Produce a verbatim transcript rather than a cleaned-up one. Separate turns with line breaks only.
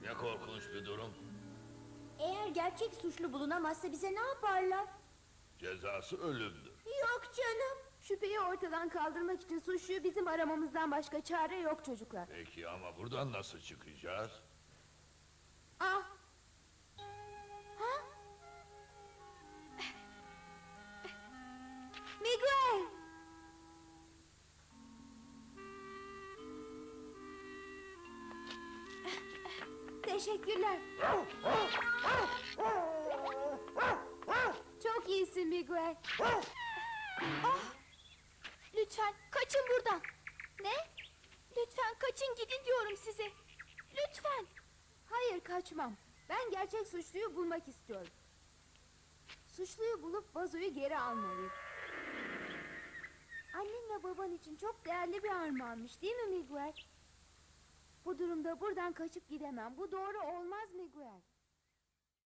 Ne korkunç bir durum.
Eğer gerçek suçlu bulunamazsa bize ne yaparlar?
Cezası ölümdür.
Yok canım.
Şüpheyi ortadan kaldırmak için suçluyu bizim aramamızdan başka çare yok çocuklar.
Peki ama buradan nasıl çıkacağız?
Ah!
Ha? Miguel! Teşekkürler.
Çok iyisin Miguel.
Ah! Lütfen kaçın buradan. Ne? Lütfen kaçın gidin diyorum size. Lütfen.
Hayır, kaçmam. Ben gerçek suçluyu bulmak istiyorum. Suçluyu bulup vazoyu geri almalıyım. Annenle baban için çok değerli bir armağanmış, değil mi Miguel? Bu durumda buradan kaçıp gidemem. Bu doğru olmaz Miguel.